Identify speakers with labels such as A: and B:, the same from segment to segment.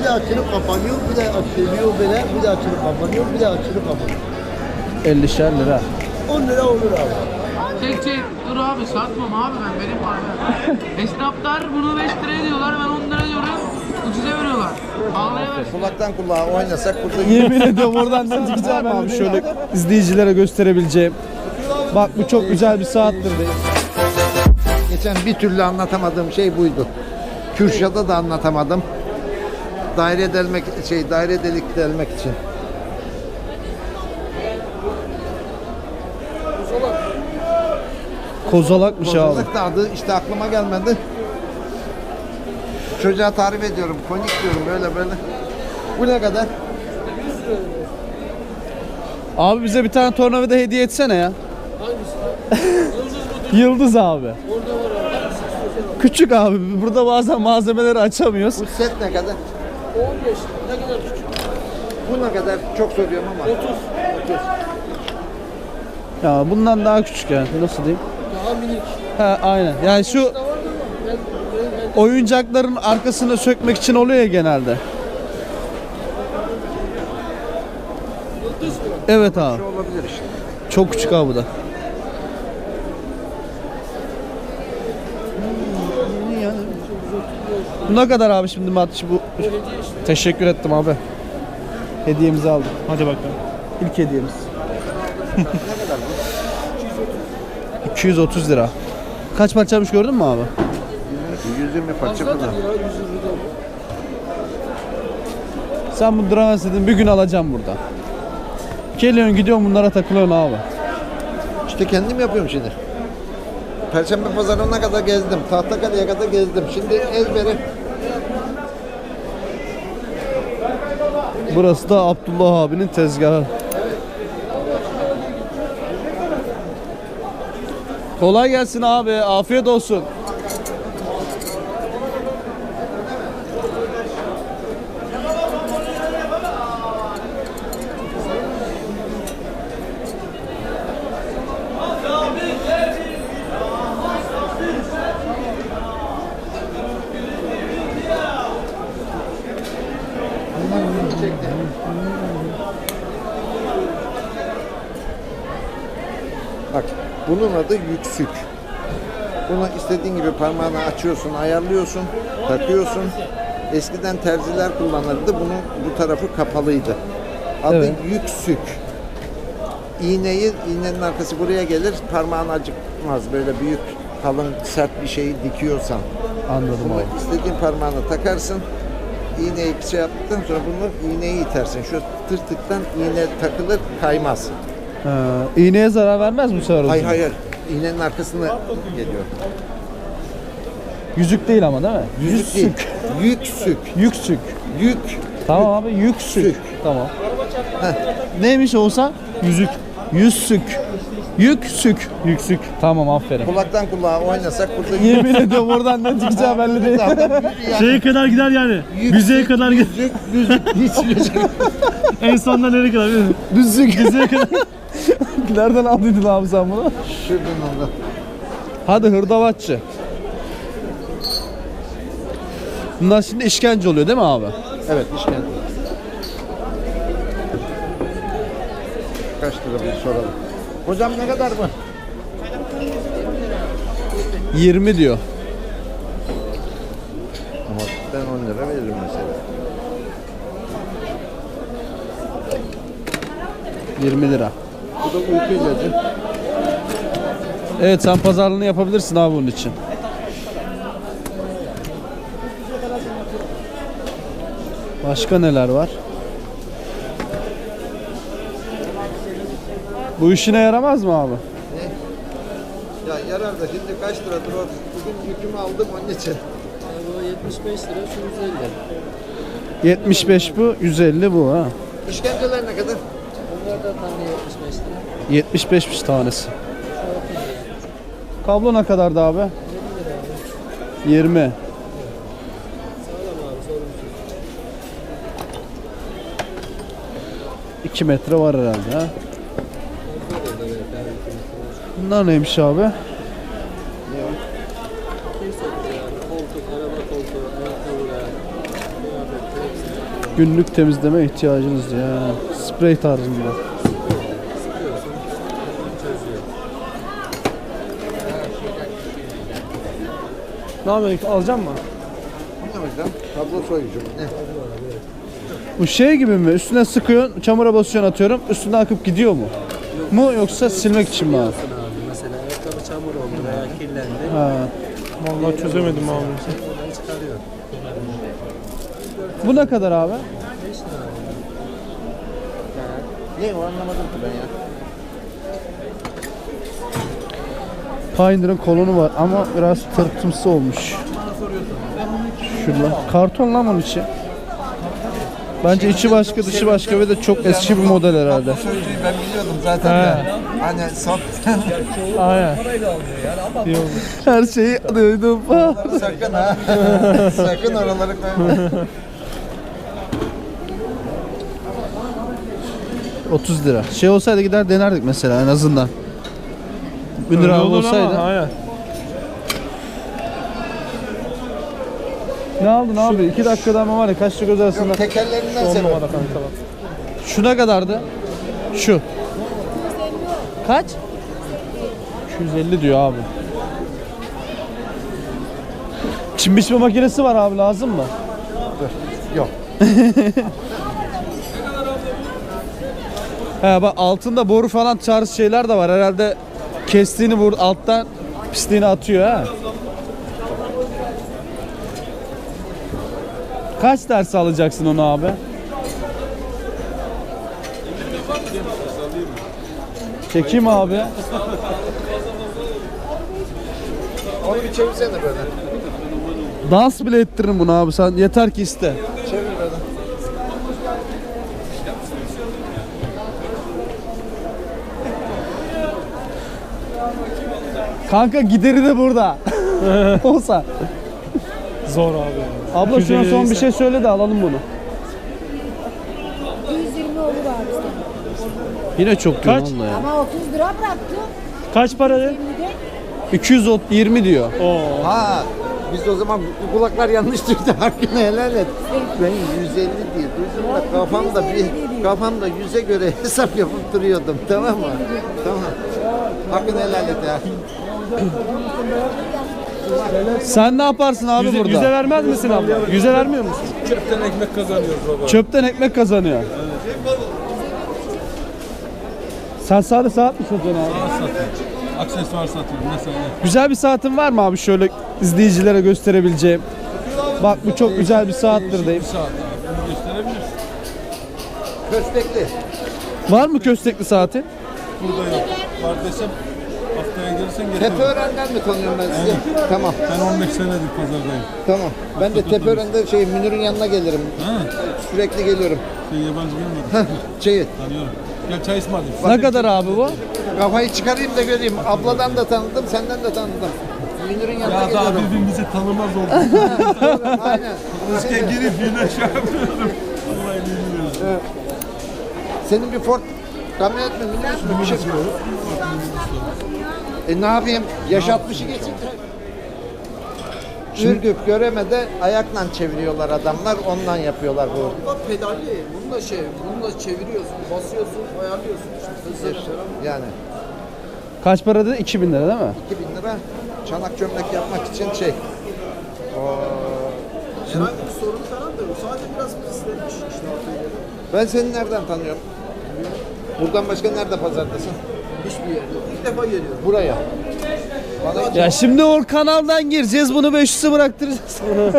A: Bir de açılıp kapanıyor, bir de açılıyor böyle, bir de açılıp kapanıyor, bir de açılıp kapanıyor.
B: 50'şer lira.
A: 10 lira olur abi.
C: Çek dur abi satmam abi benim var. Esnaflar bunu 5 liraya diyorlar ben 10 lira diyorum. Ucuza veriyorlar. Ağlayamaz.
A: Kulaktan kulağa oynasak burada
B: Yemin ediyorum oradan ne çıkacağım abi şöyle izleyicilere gösterebileceğim. Bak bu çok güzel bir saattir.
A: geçen bir türlü anlatamadığım şey buydu. Kürşat'a da anlatamadım. Daire delik delmek için.
B: Kozalakmış abi.
A: Kozalak da adı işte aklıma gelmedi. Çocuğa tarif ediyorum. Konik diyorum böyle. Bu ne kadar?
B: Abi bize bir tane tornavida hediye etsene ya. Hangisi? Yıldız abi. Küçük abi. Burada bazen malzemeleri açamıyoruz.
A: Bu set ne kadar?
D: 15. Ne kadar küçük?
A: Bu ne kadar? Çok soruyorum ama.
D: 30.
B: Ya bundan daha küçük yani. Nasıl diyeyim?
D: Daha minik.
B: Ha aynen. Yani şu
D: Da vardı ama ben
B: oyuncakların arkasını sökmek için oluyor ya genelde.
D: yıldız mı?
B: Evet abi.
A: Şu olabilir işte.
B: Çok küçük abi bu da. Bu ne kadar abi şimdi Matçı bu? Teşekkür ettim abi. Hediyemizi aldık. Hadi bakalım. İlk hediyemiz.
A: Ne kadar bu?
B: 230 lira. Kaç parçaymış gördün mü abi?
A: 120 parça
D: Fazladır
A: kadar.
D: ya 100 lira.
B: Sen bu duramaz dedin bir gün alacağım burada. Geliyorsun gidiyorsun bunlara takılıyorsun abi.
A: İşte kendim yapıyorum şimdi. Perşembe pazarına kadar gezdim. Tahtakale'ye kadar gezdim. Şimdi ezbere.
B: Burası da Abdullah abinin tezgahı. Kolay gelsin abi. Afiyet olsun.
A: Bak bunun adı yüksük. Bunu istediğin gibi parmağını açıyorsun, ayarlıyorsun, takıyorsun. Eskiden terziler kullanırdı. Bunun bu tarafı kapalıydı. Adı
B: Evet.
A: yüksük. İğnenin arkası buraya gelir. Parmağın acıkmaz. Böyle büyük, kalın, sert bir şeyi dikiyorsan.
B: Anladım
A: Bunu
B: abi.
A: istediğin parmağına takarsın. İğneyi şey yaptıktan sonra bunu iğneyi itersin. Şu tırtıktan iğne takılır, kaymaz.
B: İğneye zarar vermez mi bu sefer? o
A: Hayır
B: zaman?
A: hayır. İğnenin arkasına geliyor.
B: Yüzük değil ama değil mi?
A: Yüzük değil. Yüksük.
B: Yüksük.
A: Yük.
B: Tamam abi yüksük.
A: Sük.
B: Tamam. Neymiş olsa? Yüzük. Yüzsük. Yüksük. Yüksük. Tamam aferin.
A: Kulaktan kulağa oynasak burada
B: Yemin ediyorum oradan ne çıkacağı belli değil.
E: Şeye kadar gider yani. Müzeye kadar gider.
A: yüzük.
E: En sonunda nereye kadar?
B: Düzlük. Düzlüğe kadar. Nereden aldıydın abi sen bunu?
A: Şuradan oldu.
B: Hadi hırdavatçı. Bunlar şimdi işkence oluyor değil mi abi?
A: Evet işkence. Kaç lira bir soralım. Hocam ne kadar mı?
B: 20 diyor.
A: Ama ben 10 lira veririm mesela.
B: 20 lira.
A: Bu da uyku ilacı.
B: Evet sen pazarlığını yapabilirsin abi bunun için. Başka neler var? Bu işine yaramaz mı abi?
A: Ya yarar da şimdi kaç liradır o? Bugün yükümü aldım onun için.
D: Bu 75 lira şu 150.
B: 75 bu, 150 bu ha.
A: İşkenceler ne kadar?
D: Bunlar da tane 75 lira.
B: 75'miş tanesi. Kablo ne kadardı abi? 20.
D: Sağlam abi sorunsuz.
B: 2 metre var herhalde ha. Bunlar neymiş abi?
D: Yani koltuk, araba koltuğu, ayakkabılar, kıyafetler hepsi.
B: Günlük temizleme ihtiyacınız ya. Sprey tarzında.
E: Ne yapıyorsun? Alacak mısın?
A: Ne hocam? Kablo soyucu mu? Ne?
B: Bu şey gibi mi? Üstüne sıkıyorsun, çamura basıyorsun atıyorum. Üstüne akıp gidiyor mu? Mu yoksa silmek için mi abi?
D: Abi mesela ayakkabı çamur oldu veya kirlendi.
B: Ha.
E: Vallahi çözemedim abi.
D: Oradan çıkarıyor.
B: Bu ne kadar abi?
D: 5 lira abi.
A: Ne o anlamadım ki ben ya.
B: Pioneer'ın kolonu var ama biraz tırtımsı olmuş. Şurada. Karton lan onun içi. Bence içi başka dışı başka ve de çok eski bir model herhalde.
A: Kablo soyucuyu ben biliyordum zaten de. Hani sat.
E: Aynen.
B: Her şeyi duydum.
A: Sakın ha. Sakın oraları koyma.
B: 30 lira. Şey olsaydı gider denerdik mesela en azından. 1000 lira
E: Öyle olur
B: olsaydı.
E: ama, aynen.
B: Ne aldın abi? 2 dakikada ama var ya kaçlı göz arasında.
A: Yok, tekerlerinden
E: 10
A: sebep.
E: numara kanka bak.
B: Şu ne kadardı? Şu. Kaç? 250 diyor abi. Çim biçme makinesi var abi, lazım mı?
A: Yok.
B: He bak altında boru falan tarz şeyler de var. Herhalde kestiğini alttan pisliğini atıyor ha. Kaç ders alacaksın onu abi? Çekeyim abi.
A: Onu bir çevirsene böyle.
B: Dans bile ettiririm bunu abi, sen yeter ki iste.
A: Çevir böyle.
B: Kanka gideri de burada. Olsa.
E: Zor abi.
B: Abla şuna son bir şey söyle de alalım bunu.
F: 120 olur abi sana.
B: Yine çok diyor
E: Kaç?
B: onunla ya.
F: Ama 30 lira bıraktı.
E: Kaç para dedi?
F: 20'de
B: 220 diyor.
E: Oo.
A: Ha. Biz de o zaman bu kulaklar yanlış duydu. Hakkını helal et. Ben 150 diye duydum da kafamda 100'e göre hesap yapıp duruyordum. Tamam mı? Tamam. Hakkını helal et ya.
B: Sen ne yaparsın abi burada?
E: Yüze vermez misin abla? Yüze vermiyor musun?
G: Çöpten ekmek kazanıyoruz baba.
B: Çöpten ekmek kazanıyor. Sen sadece saat mi satıyorsun abi?
G: Aksesuar satıyorum mesela.
B: Güzel bir saatin var mı abi, şöyle izleyicilere gösterebileceğim? Bak bu çok güzel bir saattir deyip.
G: Saat abi. Bunu gösterebilirsin.
A: Köstekli.
B: Var mı köstekli saati?
G: Burada yok. Var desem haftaya gelirsen getiririm.
A: Tepeören'den mi tanıyorum ben sizi? Tamam.
G: Ben 15 senedir pazardayım.
A: Tamam. Ben de Tepeören'de Münir'in yanına gelirim.
G: Ha?
A: Sürekli geliyorum.
G: Sen yabancı gelmedin.
A: Şeyi,
G: Tanıyorum. Gel çay ısmarlayayım.
B: Ne kadar abi bu?
A: kafayı çıkarayım da göreyim. Abladan da tanıdım, senden de tanıdım. Münir'in yanına
G: Ya daha
A: geliyorum.
G: birbirimizi tanımaz olduk.
A: Aynen.
G: Riske girip yine şey yapıyorum. Vallahi bilmiyorum.
A: Evet. Senin bir Ford kamyonet mi, minibüs mü bir şey? Ne yapayım? Yaş 60'ı geçince. Ürgüp Göreme'de ayakla çeviriyorlar adamlar, ondan yapıyorlar bu.
D: Pedalli. Bununla çeviriyorsun, basıyorsun, ayarlıyorsun.
A: Yani
B: Kaç para dedi? 2000 lira değil mi?
A: 2000 lira çanak çömlek yapmak için şey.
D: Herhangi bir sorun falan da yok. Sadece biraz pislenmiş işte artık.
A: Ben seni nereden tanıyorum? Buradan başka nerede pazardasın?
D: Hiçbir yerde. İlk defa geliyorum.
A: Buraya. Bana
B: Ya şimdi o kanaldan gireceğiz, bunu 500'e bıraktıracağız.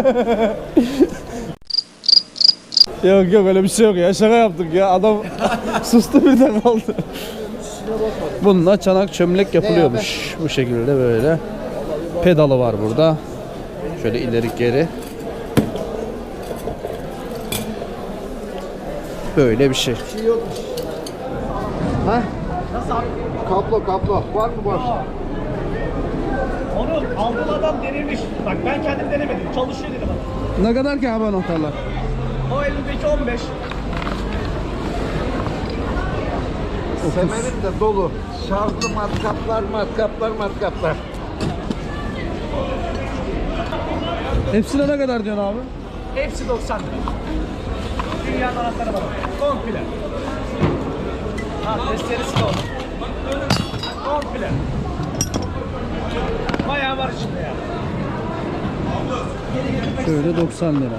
B: Yok yok, öyle bir şey yok ya, şaka yaptık ya, adam sustu birden kaldı. Bununla çanak çömlek yapılıyormuş bu şekilde, böyle pedalı var burada, şöyle ileri geri, böyle bir şey.
A: Ha? Kablo. Var mı boş?
E: Onu aldığım adam denemiş. Bak ben kendim denemedim. Çalışıyor dedi bana.
B: Ne kadar ki abi anahtarlar?
E: O elindeki 15.
A: Semerim de dolu. Şarjlı matkaplar.
B: Hepsine ne kadar diyorsun abi?
E: Hepsi 90 lira. Ayağın anahtarı var. Komple. Ha, testeresi de olur. Komple. Bayağı var içinde ya.
B: Şöyle 90 lira.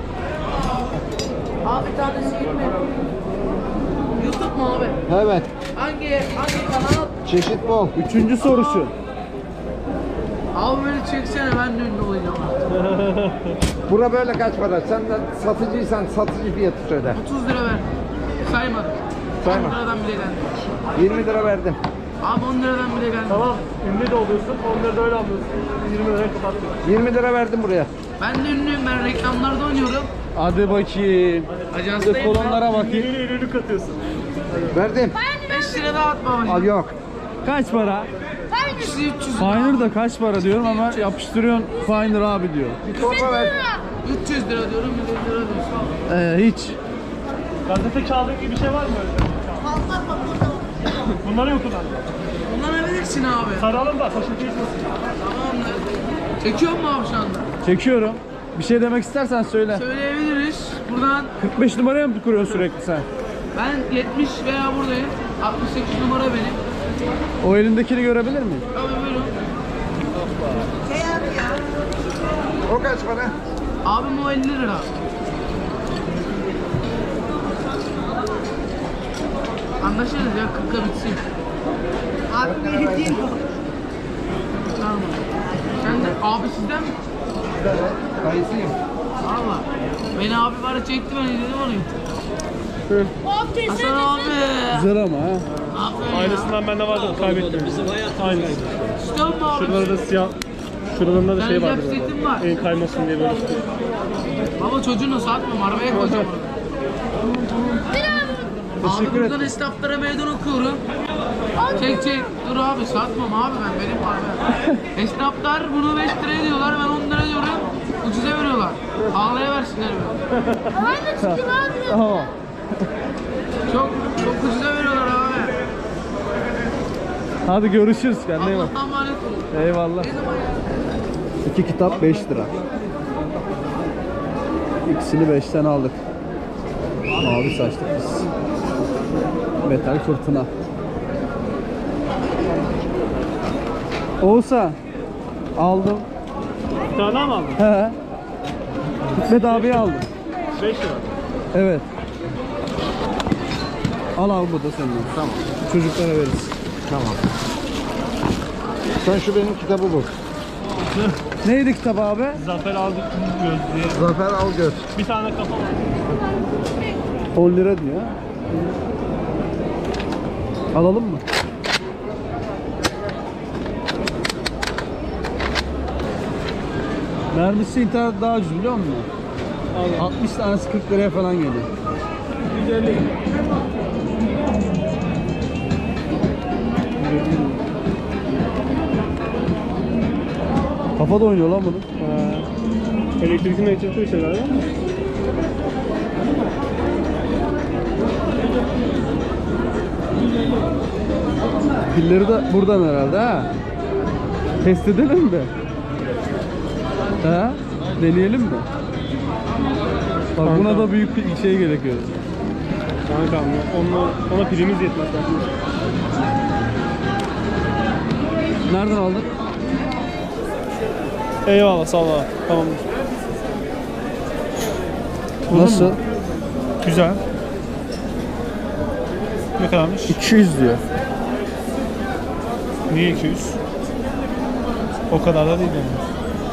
C: Abi bir tanesi 20. YouTube mu abi?
A: Evet.
C: Hangi kanal?
A: Çeşit bol.
B: Üçüncü sorusu.
C: Abi beni çeksene ben de ünlü olacağım artık.
A: Bura böyle kaç para? Sen de satıcıysan satıcı fiyatı söyle.
C: 30 lira ver. Saymadım.
A: Sayma.
C: 10 liradan bile geldi.
A: 20 lira verdim.
C: Abi 10 liradan bile geldi.
E: Tamam, ünlü de oluyorsun, onları da öyle alıyorsun. 20 liraya kapattın.
A: 20 lira verdim buraya.
C: Ben de ünlüyüm, ben reklamlarda oynuyorum.
B: Hadi bakayım. Bir de
C: Ajanstayım
B: kolonlara bakayım.
E: Ünlü katıyorsun.
A: Verdim.
C: 5 lira daha atma
A: Al
C: babacığım.
A: yok.
B: Kaç para?
C: 300
B: Finder da kaç para diyorum ama yapıştırıyorsun Finder abi diyor.
A: Bir torba ver.
C: 300 lira diyorum, 150 lira diyorsun.
B: Hiç.
E: Gazete kağıdı gibi bir şey var mı öyle? Bunları yok kullan.
C: Kullanabilirsin abi.
E: Saralım da taşıntı içmesin.
C: Tamamdır. Çekiyor mu abi şu anda?
B: Çekiyorum. Bir şey demek istersen söyle.
C: Söyleyebiliriz. Buradan
B: 45 numaraya mı kuruyorsun sürekli sen?
C: ben 70 veya buradayım. 68 numara benim.
B: O elindekini görebilir miyim?
C: Abi buyurun.
A: O kaç para?
C: Abim o 50 lira. Anlaşırız ya 40'a bitsin. Tamam. Sen de abi sizden mi?
A: Kayısıyım.
C: Valla. Beni abi bana çekti ben izledim onu. Hasan abi.
B: Güzel ama ha.
C: Aferin ya.
E: Aynısından bende vardı, kaybettim. Aynen.
C: İstiyor musun abi?
E: Şuralarda da siyah, şuralarında da şey vardı
C: Benim setim var.
E: böyle. En kaymasın diye böyle.
C: Baba çocuğunu satmam arabaya koyacağım onu. Abi buradan esnaflara meydan okuyorum. Çek. Dur abi satmam abi ben benim abi. Esnaflar bunu 5 liraya diyorlar ben 10 lira diyorum. Ucuza veriyorlar. Ağlaya versinler beni.
B: Tamam.
C: Çok ucuza veriyorlar abi.
B: Hadi görüşürüz kendine iyi bak.
C: Allah'tan emanet olun.
B: Eyvallah.
C: Ne zaman ya?
B: 2 kitap 5 lira. İkisini 5'ten aldık. Mavi saçlı kız. Metal fırtına. Oğuzhan. Aldım.
E: Bir tane daha mı aldın?
B: He. Hikmet abiye aldım.
E: 5 lira.
B: Evet. Al bu da senin.
A: Tamam.
B: Çocuklara veririz.
A: Tamam. Sen şu benim kitabı bul.
B: Neydi kitap abi?
E: Zafer aldık gözlüğe.
A: Zafer Algöz.
E: Bir tane kafa var.
B: 10 lira diyor. Alalım mı? Mermisi internet daha ucuz biliyor musun? 60 tanesi 40 liraya falan geliyor.
E: 150.
B: Kafa da oynuyor lan bunu.
E: Elektrikli bir şey galiba.
B: Pilleri de buradan herhalde ha. Test edelim mi? Ha? Deneyelim mi? Bak buna da büyük bir şey gerekiyor.
E: Kanka ona pilimiz yetmez.
B: Nereden aldın?
E: Eyvallah sağ ol abi. Tamamdır.
B: Nasıl?
E: Güzel. Ne kadarmış?
B: 200 diyor.
E: Niye 200? O kadar da değil yani.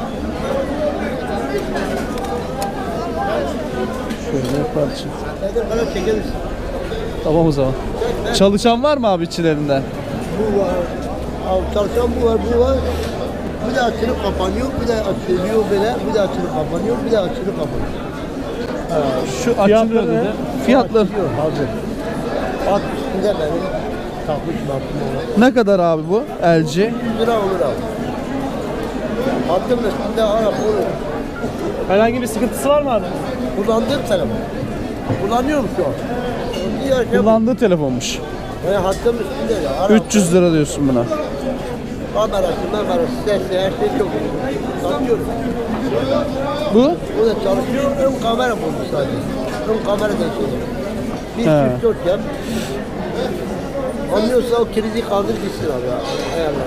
B: Şöyle parça. Tamam o zaman. Çalışan var mı abi içlerinde?
D: Bu var. Çalışan bu var. Bir de açılıp kapanıyor, bir de açılıyor böyle, bir de açılıp kapanıyor, bir de açılıp kapanıyor.
B: Şu açılıyor dedi. Fiyatları
D: Açılıyor, hazır. At üstünde benim takmış baktım ona.
B: ne kadar abi bu? LG.
D: 100 lira olur abi. Attım üstünde Arap olur.
E: Herhangi bir sıkıntısı var mı abi?
D: Kullandığım telefon. Kullanıyorum şu an. Diğer şey
B: Kullandığı telefonmuş.
D: hattım üstünde ya. Arap,
B: 300 lira diyorsun buna.
D: kamerası, sesi, her şey çok iyi. Satıyorum.
B: Bu?
D: O da çalışıyor, ön kamera bulmuş sadece. Ön kameradan şey. Bir
B: He.
D: çift dört yap. Anlıyorsa o kilidi kaldır gitsin abi ya. Ayarlar.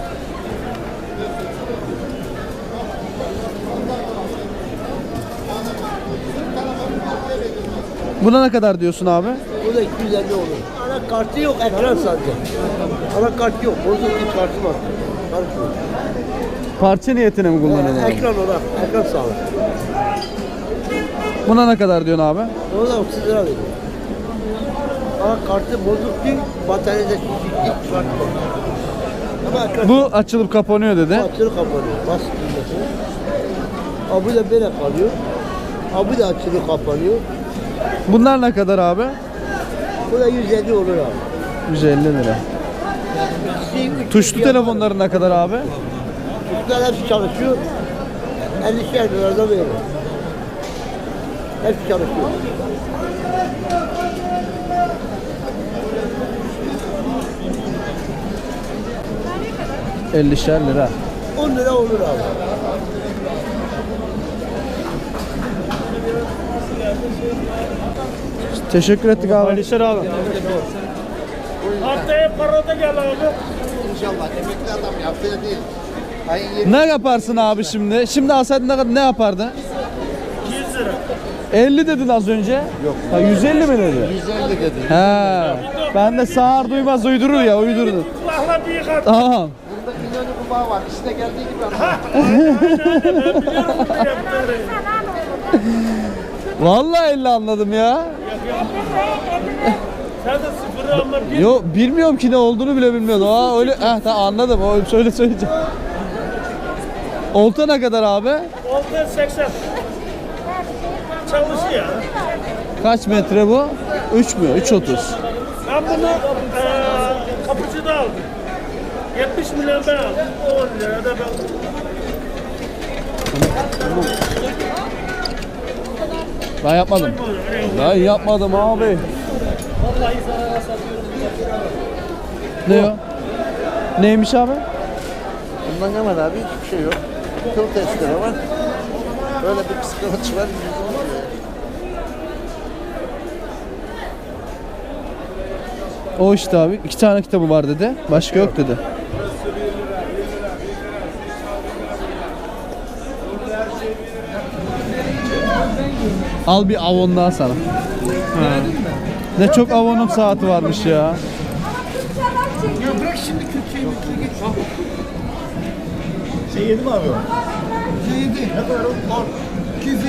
B: Buna ne kadar diyorsun abi?
D: Bu da 250 olur. Ana kartı yok, ekran sadece. Ana kart yok, bozuk bir kartı var. Kart yok.
B: Parça niyetine mi kullanıyorsun abi?
D: Ekran olarak, ekran sağlık.
B: Buna ne kadar diyorsun abi?
D: Onu da 30 lira veriyor. Ama kartı bozuk değil, bataryada şişik kartı var. Ama ekran
B: Bu açılıp kapanıyor dedi.
D: açılır kapanıyor, basit düğmesi. Abi de böyle kalıyor. Abi de açılır kapanıyor.
B: Bunlar ne kadar abi?
D: Bu da 150 olur abi.
B: 150 lira.
D: İkisi, üç
B: Tuşlu
D: yüz yapar.
B: telefonların ne kadar abi?
D: Tuşlar hepsi çalışıyor. 50'şer liradan veriyor. Hepsi çalışıyor.
B: ...50'şer lira.
D: 10 lira olur abi.
B: Teşekkür ettik abi.
E: Alişer abi. Haftaya parada gel abi.
A: İnşallah emekli adam yaptığı değil. Ayın 20
B: Ne yaparsın abi şimdi? Şimdi alsaydın ne yapardın?
E: 100 lira.
B: 50 dedin az önce. Yok. Ha, 150 mi dedi?
A: 150 dedi.
B: He. Ben de sağır duymaz uydurur ya uydurdu.
E: Kulakla büyük at.
B: Tamam.
A: Bunda milyonu kubağı var. İşte geldiği gibi ama.
E: Aynen ben biliyorum bunu yaptığını.
B: Vallahi 50 anladım ya.
E: Sen de sıfırı ama bir
B: Yo bilmiyorum ki ne olduğunu bile bilmiyordum. Aa öyle tamam anladım. O şöyle söyleyeceğim. Olta ne kadar abi?
E: oldu 80. Çalışıyor.
B: Kaç metre bu? 3 mü? 3.30.
E: Ben bunu kapıcıda aldım. 70 milyon ben aldım. 10 lira da ben.
B: Ben yapmadım. Ben yapmadım abi.
E: Vallahi zarara satıyorum.
B: Ne o? Neymiş abi?
A: Bundan hemen abi hiçbir şey yok. Kıl testere var. Böyle bir psikoloji var.
B: O işte abi. 2 tane kitabı var dedi. Başka yok dedi. Al bir Avon daha sana. Ne çok Avon'un saati varmış ya.
D: Şey yedi mi abi? Şey yedi. Ne kadar o? 250.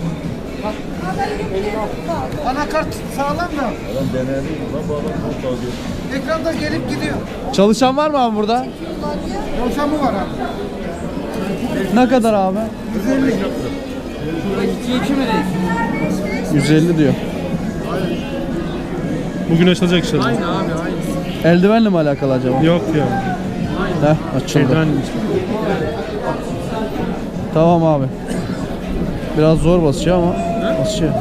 D: Anakart sağlam da.
G: Adam denedi. Lan bu adam çok alıyor.
D: Ekranda gelip gidiyor.
B: Çalışan var mı abi burada?
D: Yolşamı var abi.
B: Ne kadar abi? 150 diyor.
E: Bugün açılacak inşallah.
C: Aynı abi aynı.
B: Eldivenle mi alakalı acaba?
E: Yok ya.
B: Heh, açıldı.
E: Şeyden
B: Tamam abi. Biraz zor basıyor ama basıyor.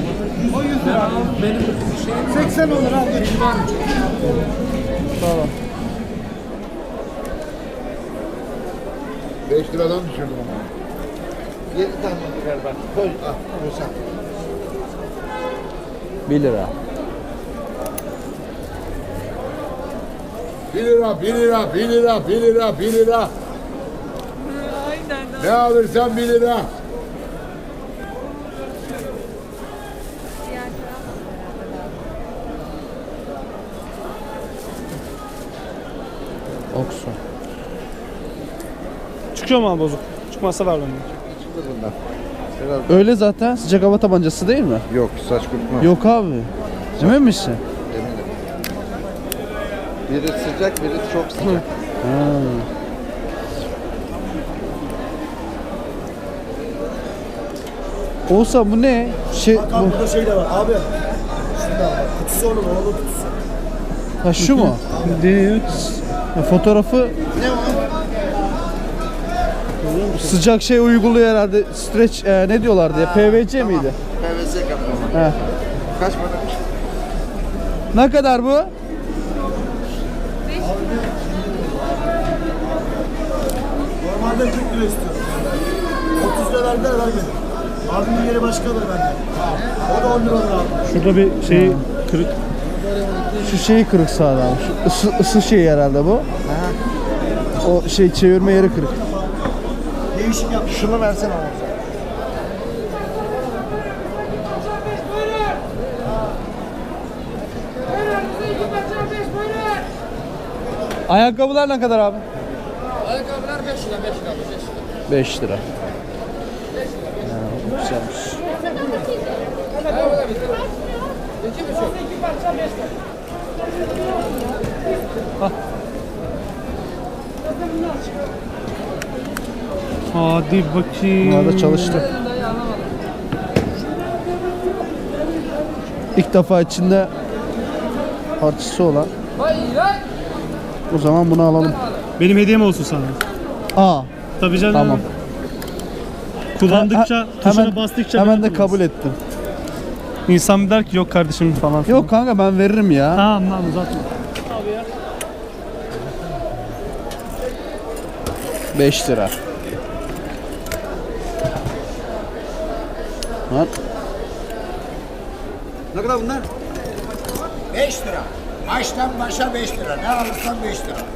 D: 80 olur abi.
B: Tamam.
A: 5 liradan düşürdüm ama. 7 tane ver bak. Koy. Al. Musa.
B: 1 lira.
G: 1 lira, 1 lira, 1 lira, 1 lira, 1 lira. Ne alırsan 1 lira.
B: Oksu.
E: çıkıyor mu abi bozuk? Çıkmazsa ver benden.
A: Çıktı bundan. Biraz
B: Öyle zaten sıcak hava tabancası değil mi?
A: yok. Saç kurutma.
B: Yok abi. Emin misin?
A: Eminim. Biri sıcak, biri çok sıcak.
B: Ha. Olsa bu ne? Şey bu.
D: Burada şey de var abi. Şurada var. Kutusu onun oğlu kutusu.
B: Ha şu mu? Değil. Fotoğrafı
A: Ne o?
B: sıcak şey uyguluyor herhalde. Stretch ne diyorlardı ya? PVC miydi?
A: PVC kaplama.
B: He.
A: Kaç paramış?
B: Ne kadar bu?
D: Normalde 40 lira istiyorum. 30 lira verdiler vermedim. Abimin yeri başkadır bende. O da 10 lira abi.
E: Şurada bir şey kırık.
B: Şu şeyi kırık sağda abi. Şu ısı şeyi herhalde bu. O şey çevirme yeri kırık.
D: Değişik yapmış.
A: Şunu versene oğlum.
B: Ayakkabılar ne kadar abi?
C: Ayakkabılar 5 lira 5 lira
B: 5 lira. Güzelmiş.
E: Hadi bakayım.
B: Bunlar da çalıştı. İlk defa içinde parçası olan. O zaman bunu alalım.
E: Benim hediyem olsun sana.
B: Aa,
E: Tabii canım.
B: tamam.
E: Kullandıkça, tuşuna bastıkça
B: hemen de
E: böyle
B: kabul ettim.
E: İnsan bir der ki yok kardeşim falan.
B: Yok kanka ben veririm ya.
E: Tamam uzatma.
B: 5 lira. Lan.
H: Ne kadar bunlar? 5 lira. Baştan başa 5 lira. Ne alırsan 5 lira.